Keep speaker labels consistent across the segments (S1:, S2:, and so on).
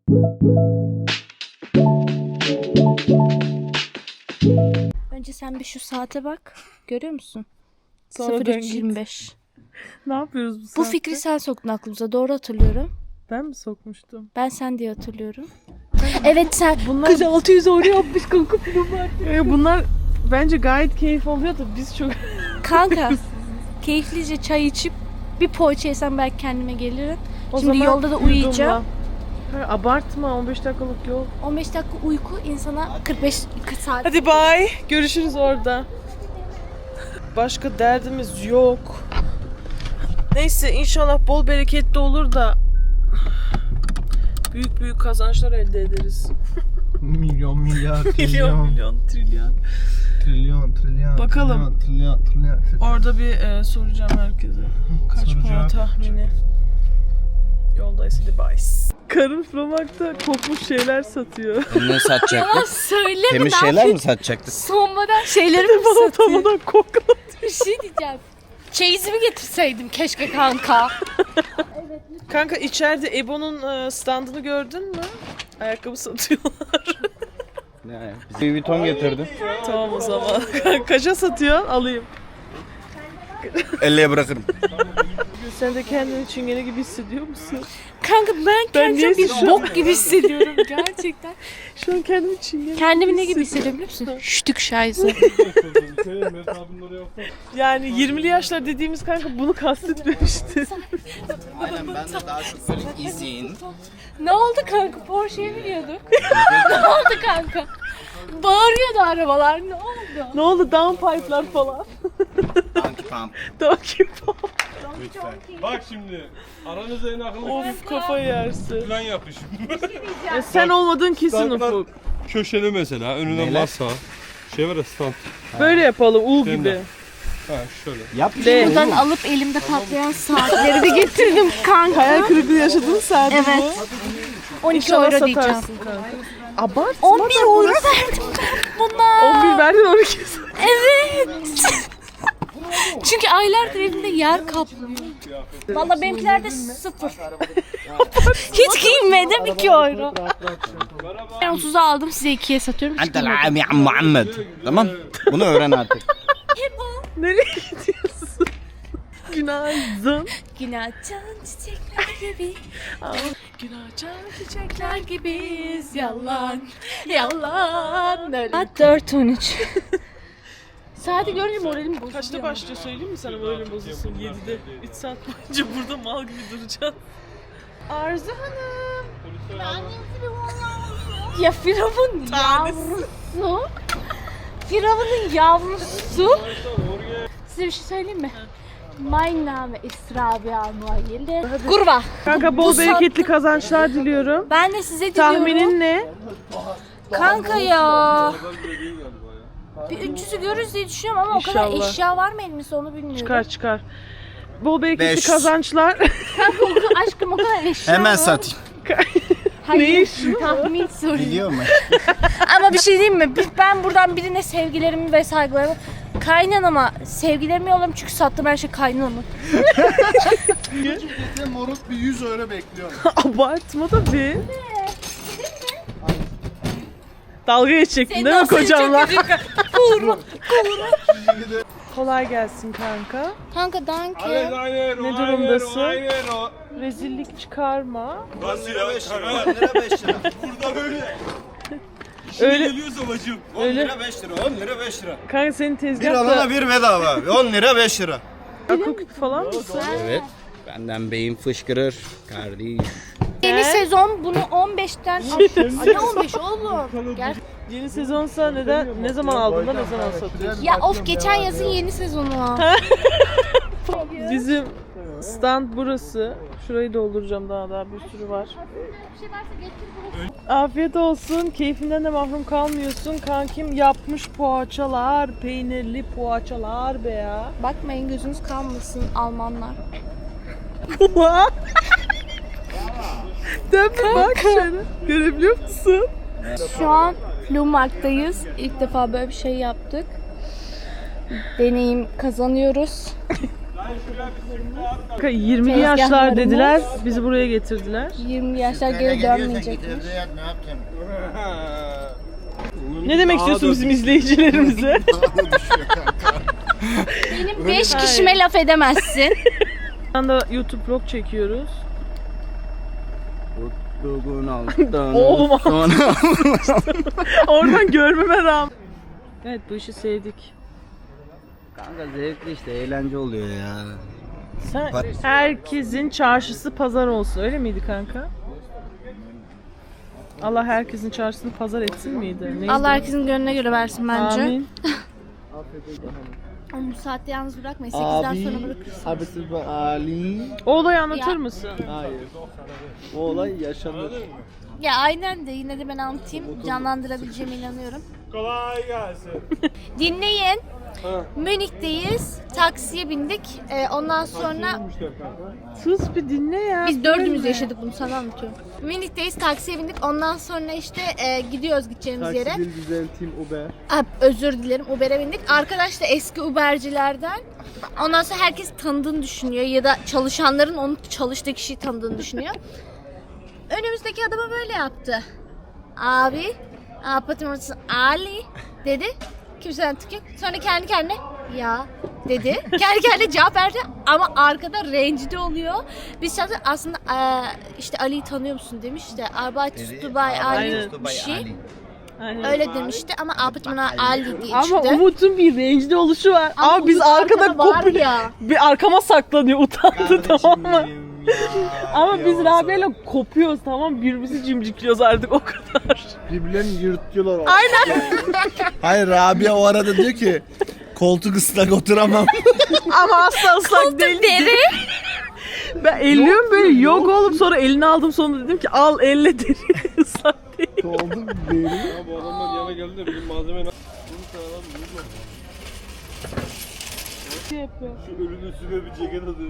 S1: Önce sen bir şu saate bak. Görüyor musun?
S2: Sonra
S1: 03.25.
S2: Ne yapıyoruz bu
S1: Bu
S2: saatte?
S1: fikri sen soktun aklımıza. Doğru hatırlıyorum.
S2: Ben mi sokmuştum?
S1: Ben sen diye hatırlıyorum. Evet sen.
S2: Bunlar... Kız 600 oraya yapmış kanka film var. Bunlar bence gayet keyif oluyor da biz çok...
S1: Kanka keyiflice çay içip bir poğaça yesem belki kendime gelirim.
S2: O
S1: Şimdi
S2: zaman
S1: yolda da uyuyacağım.
S2: Ha, abartma 15 dakikalık yol.
S1: 15 dakika uyku insana 40 saat.
S2: Hadi bye. Görüşürüz orada. Başka derdimiz yok. Neyse inşallah bol bereketli olur da büyük büyük kazançlar elde ederiz.
S3: Milyon, milyar,
S2: Milyon,
S3: trilyon,
S2: milyon, trilyon.
S3: trilyon.
S2: Bakalım.
S3: Trilyon.
S2: Orada bir soracağım herkese. Kaç para tahmini? Yoldayız hadi bye. Karın Fromak'ta kokmuş şeyler satıyor.
S4: Ne satacaktı?
S1: Söyleme
S4: Temiz
S1: lan.
S4: şeyler mi satacaktı?
S1: Sonmadan şeyleri mi
S2: Bana
S1: satıyor?
S2: tamamen koklatıyor.
S1: Bir şey diyeceğim. Çeyizimi getirseydim keşke kanka.
S2: Kanka içeride Ebo'nun standını gördün mü? Ayakkabı satıyorlar.
S4: Ne? Bir Vuitton getirdim.
S2: Tamam o zaman. Kaça satıyorsun? Alayım.
S4: 50'ye bırakırım.
S2: Sen de kendini çingene gibi hissediyor musun?
S1: Kanka ben kendimi
S2: niye
S1: bir
S2: şu-
S1: bok gibi hissediyorum gerçekten.
S2: Şu an kendimi çingene
S1: Kendimi ne gibi hissediyorum biliyor musun? Ştük şayzı.
S2: Yani 20'li yaşlar dediğimiz kanka bunu kastetmemişti.
S4: Aynen ben de daha çok böyle izin.
S1: Ne oldu kanka? Porsche'ye biniyorduk. Ne oldu kanka? Bağırıyordu arabalar. Ne oldu?
S2: Ne oldu? Downpipe'lar falan.
S4: Tanki pump.
S2: Donkey Pop.
S5: Bak şimdi aranızda en akıllı
S2: Of kafayı yersin.
S5: plan yapışım.
S2: Sen olmadın kesin
S5: Standlar
S2: Ufuk.
S5: köşeli mesela önüne
S4: Neler?
S5: masa. Şey var ya stand.
S2: Böyle yapalım U
S5: Sen
S2: gibi.
S5: de. Ha şöyle.
S4: Yap.
S1: Buradan alıp elimde patlayan saatleri de getirdim kanka.
S2: Hayal kırıklığı yaşadığın saat
S1: Evet.
S2: bu.
S1: 12
S2: İnşallah
S1: euro diyeceğim.
S2: satarsın kanka. Abartma
S1: 11
S2: da
S1: euro
S2: burası.
S1: verdim buna.
S2: 11 verdin 12.
S1: Evet. Çünkü aylardır evimde yer kaplıyor. Valla benimkilerde 0. Hiç giyinmedim 2 euro. Ben 30'a aldım size 2'ye satıyorum. Hiç
S4: Ente
S1: giyinmedim.
S4: l'am ya Muhammed. Tamam. Bunu öğren artık.
S2: Nereye gidiyorsun? Günaydın.
S1: Günaçan çiçekler gibi.
S2: Günaydın.
S1: Çiçekler gibiyiz yalan. Yalan. Saat 4:13. Saati görünce moralim bozuluyor.
S2: Kaçta başlıyor söyleyeyim mi sana böyle bozulsun? 7'de. 3 saat boyunca burada mal gibi duracaksın. Arzu Hanım.
S1: Ya Firavun yavrusu. Firavun'un yavrusu. Size bir şey söyleyeyim mi? Mein Name ist Rabia Noyeli. Kurva.
S2: Kanka
S1: Bu
S2: bol
S1: saat-
S2: bereketli kazançlar diliyorum.
S1: Ben de size diliyorum.
S2: Tahminin ne?
S1: Kanka ya. Bir 300'ü görürüz diye düşünüyorum ama o kadar
S2: İnşallah.
S1: eşya var mı elimizde onu bilmiyorum.
S2: Çıkar. Bol bereketli
S4: 500.
S2: kazançlar.
S1: Kanka o kadar aşkım o kadar eşya
S4: Hemen
S1: var.
S4: satayım.
S1: Hayır,
S2: Ne
S1: tahmin soruyor.
S4: Biliyor musun?
S1: Ama bir şey diyeyim mi? Ben buradan birine sevgilerimi ve saygılarımı kaynanama sevgilerimi yollarım çünkü sattım her şey kaynanama.
S3: Moruk bir 100 euro bekliyorum.
S2: Abartma da bir. Dalga geçecektin değil mi kocamla? Kolay gelsin kanka.
S1: Kanka danke.
S5: Aynen
S2: Ne durumdasın?
S5: Aynen o.
S2: Rezillik çıkarma.
S5: Nasıl ya?
S3: 5 lira 5 lira.
S5: Burada öyle. İşine
S2: Öyle-
S5: geliyorsa bacım.
S3: 10 lira 5 lira 10 lira 5 lira.
S2: Kanka senin
S3: Bir
S2: tezgahta
S3: alana bir bedava. 10 lira 5 lira.
S2: akıl küpü falan mısın?
S4: Evet. Benden beyin fışkırır. Kardeş.
S1: Yeni sezon bunu 15'ten... Ay ne 15 oğlum? Gel.
S2: Yeni sezonsa ne zaman aldın da ne zaman satıyorsun?
S1: Ya of geçen yazın yeni sezonu.
S2: Bizim stand burası. Şurayı dolduracağım daha bir sürü var. Afiyet olsun. Keyfinden de mahrum kalmıyorsun. Kankim yapmış poğaçalar, peynirli poğaçalar be ya.
S1: Bakmayın gözünüz kalmasın Almanlar.
S2: Dön bir bak şöyle. Görebiliyor musun?
S1: Şu an Flumarkt'tayız. İlk defa böyle bir şey yaptık. Deneyim kazanıyoruz.
S2: Kanka 20'li yaşlar dediler, bizi buraya getirdiler.
S1: 20 yaşlar geri dönmeyecek.
S2: Ne demek istiyorsun bizim izleyicilerimize?
S1: Benim 5 kişime laf edemezsin.
S2: Şu anda YouTube vlog çekiyoruz. Oğlum oradan görmeme rağmen. Evet, bu işi sevdik.
S4: Kanka zevkli işte, eğlence oluyor ya.
S2: Sen, herkesin çarşısı pazar olsun, öyle miydi kanka? Allah herkesin çarşısını pazar etsin miydi? Neydi?
S1: Allah herkesin gönlüne göre versin bence.
S2: Amin.
S1: Ama bu saatte yalnız bırakmayın. 8'den sonra bırakırsın.
S3: Abisi Ali.
S2: O olayı anlatır
S1: Ya.
S2: mısın?
S3: Hayır. O olay yaşanır.
S1: Ya aynen de yine de ben anlatayım. Canlandırabileceğime inanıyorum.
S5: Kolay gelsin.
S1: Dinleyin. Münih'teyiz. Taksiye bindik. Ondan sonra
S2: Sus bir dinle ya.
S1: biz dördümüz yaşadık bunu, sana anlatıyorum. Münih'teyiz, taksiye bindik. Ondan sonra işte gidiyoruz gideceğimiz yere.
S3: Taksi dil düzelteyim Uber.
S1: Özür dilerim, Uber'e bindik. Arkadaş da eski Uber'cilerden. Ondan sonra herkes tanıdığını düşünüyor ya da çalışanların onun çalıştığı kişiyi tanıdığını düşünüyor. Önümüzdeki adama böyle yaptı. Abi, apatın ortası Ali dedi. Kimseden tık yok. Sonra kendi kendine ya dedi. Kendi kendine cevap verdi ama arkada rencide oluyor. Biz aslında işte Ali'yi tanıyor musun demiş de Arbeit Dubai Ali
S2: Aynen.
S1: bir şey.
S2: Aynen.
S1: Öyle demişti ama apatmana Ali diye
S2: Ama
S1: çıktı.
S2: Umut'un bir rencide oluşu var. Ama biz
S1: Umut
S2: arkada
S1: var
S2: kopu...
S1: ya.
S2: Bir arkama saklanıyor, utandı, tamam mı? Ama biz Rabia'yla kopuyoruz, tamam, birbirimizi cimcikliyoruz artık, o kadar.
S3: Birbirlerini yırtıyorlar.
S2: Aynen.
S3: Hayır, Rabia o arada diyor ki koltuk ıslak oturamam.
S2: Ama asla ıslak değil.
S1: Deri.
S2: Ben elliyorum böyle, yok oğlum, sonra elini aldım, sonra dedim ki al elle deri, ıslak değil.
S3: Koltuk deri.
S5: Ya bu adamlar yana geldi de bizim malzeme ne?
S2: Ne yapıyor?
S5: Şu ölünün üstüne bir ceket atın.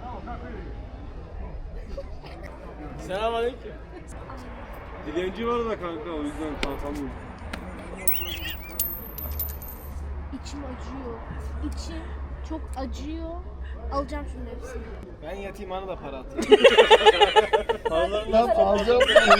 S5: Selamünaleyküm. Dilenci var da kanka, o yüzden kalkamıyorum.
S1: İçim acıyor. İçim çok acıyor. Alacağım şunun hepsini.
S3: Ben yatayım, bana da para atayım. Ben alacağım.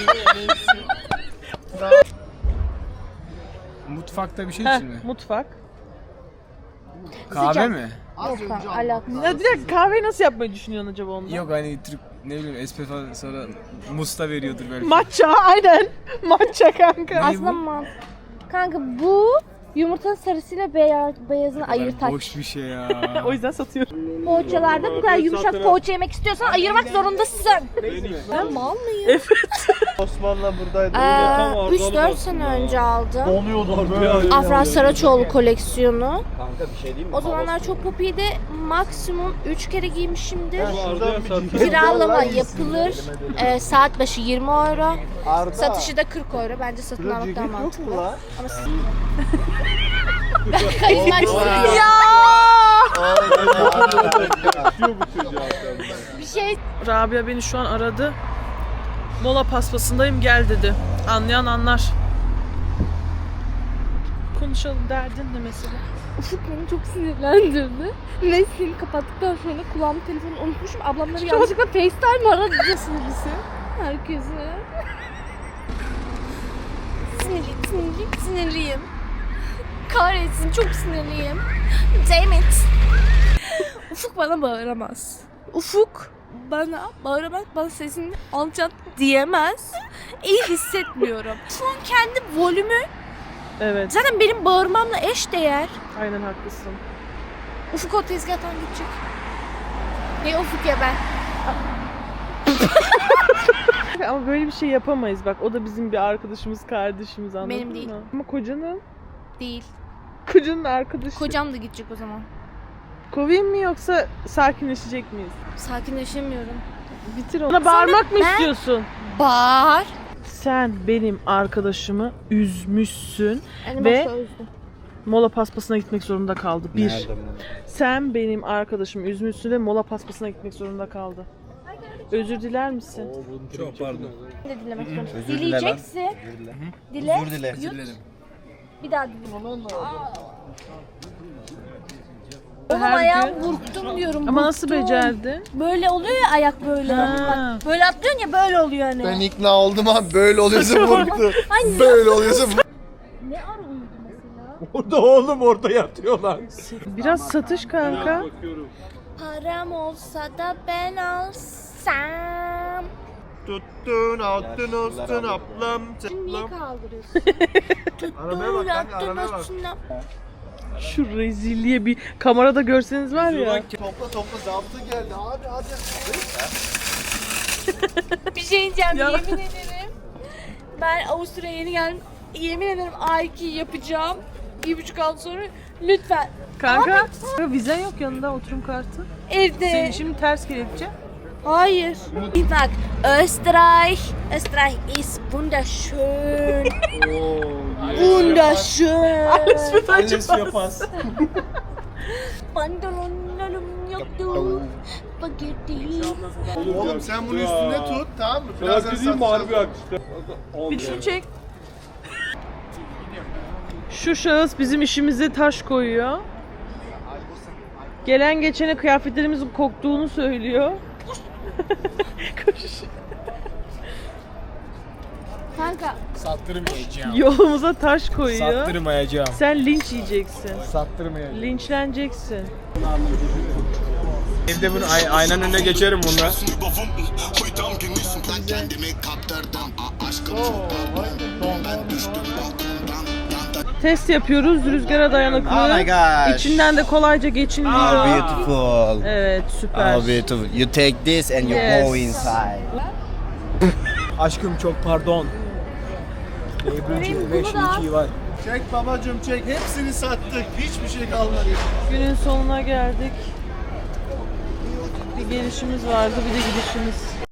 S6: Mutfakta bir şey
S2: Heh,
S6: için mi?
S2: mutfak.
S6: Kahve mi?
S1: Yok kanka, alakası.
S2: Ya direkt kahveyi nasıl yapmayı düşünüyorsun acaba onda?
S6: Yok hani Türk ne bileyim espresso sonra musta veriyordur belki.
S2: Matcha, aynen. Matcha kanka.
S1: Aslında kanka bu yumurtanın sarısıyla beyazını ayırt aç.
S6: Boş bir şey ya.
S2: O yüzden satıyorum.
S1: Poğaçalarda bu kadar yumuşak poğaça yemek istiyorsan ayırmak zorundasın. Ben mal mıyım?
S3: Osman'la buradaydı.
S1: 3-4 sene önce aldım.
S3: Oluyordu böyle.
S1: Afra Saraçoğlu koleksiyonu.
S4: Kanka bir şey diyeyim mi?
S1: O zamanlar çok popiydi. Maksimum 3 kere giymişimdir.
S5: Arda'ya sattım.
S1: Kiralama yapılır. Saat başı 20 euro.
S3: Arda.
S1: Satışı da 40 euro. Bence satın
S3: Burada
S1: almak
S3: ceket
S1: daha
S3: yok mu
S1: mantıklı.
S3: lan?
S1: Ama kayınlar bir şey
S2: Rabia beni şu an aradı. Mola paspasındayım, gel dedi. Anlayan anlar. Konuşalım, derdin ne mesela?
S1: Ufuk beni çok sinirlendirdi. Ve seni kapattıktan sonra kulağımın telefonunu unutmuşum. Ablamları yanlışlıkla FaceTime aradı sinirlisi. Herkese. Sinirliyim. Kahretsin, çok sinirliyim. Damn it. Ufuk bana bağıramaz. Ufuk bana bağıramaz, bana sesini alçalt diyemez. İyi hissetmiyorum. Ufuk'un kendi volümü
S2: Evet,
S1: zaten benim bağırmamla eşdeğer.
S2: aynen haklısın.
S1: Ufuk o tezgahtan gidecek. Ne Ufuk ya ben?
S2: Ama böyle bir şey yapamayız bak. O da bizim bir arkadaşımız, kardeşimiz, anladın
S1: Benim değil.
S2: mı? Ama kocanın
S1: Değil.
S2: arkadaşı.
S1: Kocam da gidecek o zaman.
S2: Kovayım mı yoksa sakinleşecek miyiz?
S1: Sakinleşemiyorum.
S2: Bitir onu. Bana bağırmak mı
S1: ben-
S2: istiyorsun?
S1: Bağır.
S2: Sen benim arkadaşımı üzmüşsün.
S1: Yani
S2: Ve-
S1: başta üzdüm.
S2: Mola paspasına gitmek zorunda kaldı. Bir.
S4: Nerede bu?
S2: Sen benim arkadaşımı üzmüşsün ve mola paspasına gitmek zorunda kaldı. Özür diler misin?
S5: Çok pardon.
S1: Ben de dinlemek istiyorum.
S3: Özür dile lan.
S1: Dileyeceksin. Dile.
S3: Özür dile.
S1: Yut. Bir daha dile. Oğlum
S2: her
S1: ayağım
S2: gün.
S1: burktum diyorum.
S2: Ama nasıl
S1: burktum.
S2: becerdin?
S1: Böyle oluyor ya ayak böyle.
S2: Ha.
S1: Bak, böyle atlıyorsun ya böyle oluyor hani.
S3: Ben ikna oldum abi böyle oluyorsa vurdu.
S1: Anne.
S3: Böyle oluyorsa vurdu.
S1: Ne ara uyudu mesela?
S5: Orada oğlum orada yatıyorlar.
S2: Biraz satış kanka.
S5: Bakıyorum.
S1: Param olsa da ben alsam.
S3: Tuttun altın olsun ablam.
S1: Şimdi niye kaldırıyorsun?
S3: Arabaya bak kanka arabaya bak.
S2: Şu rezilliğe bir kamerada görseniz var ya.
S3: Topla zabıta geldi abi hadi.
S1: Bir şey diyeceğim
S2: Ya.
S1: yemin ederim. Ben Avusturya'ya yeni geldim. Yemin ederim A2 yapacağım. 1,5 ay sonra lütfen.
S2: Kanka vizen yok yanında oturum kartı.
S1: Evde.
S2: Seni şimdi ters kelepçe.
S1: Hayır. Bak Österreich. Österreich ist wunderschön. Wunderschön.
S6: Alles für Pass.
S1: Pantolonlarım yoktu. Spagetti.
S3: Oğlum sen bunu üstünde tut tamam mı?
S5: Sana
S3: Birazdan
S5: bir diyeyim mi
S3: satacağız.
S5: harbi akışta.
S2: Bir şunu çek. Şu şahıs bizim işimize taş koyuyor. Gelen geçene kıyafetlerimizin koktuğunu söylüyor. Koş.
S1: Kanka
S6: Sattırmayacağım.
S2: Yolumuza taş koyuyor.
S6: Sattırmayacağım.
S2: Sen linç yiyeceksin.
S6: Sattırmayacağım.
S2: Linçleneceksin.
S6: Evde bunu aynanın önüne geçerim bununla.
S2: Test yapıyoruz. Rüzgara dayanıklı.
S3: Oh my gosh.
S2: İçinden de kolayca geçiliyor.
S3: How beautiful.
S2: Evet, süper.
S3: How beautiful. You take this and you
S2: Yes.
S3: go inside.
S6: Aşkım çok pardon. Ebru'cum 5 2 var.
S3: Çek babacım çek. Hepsini sattık. Hiçbir şey kalmadı.
S2: Günün sonuna geldik. Bir gelişimiz vardı, bir de gidişimiz.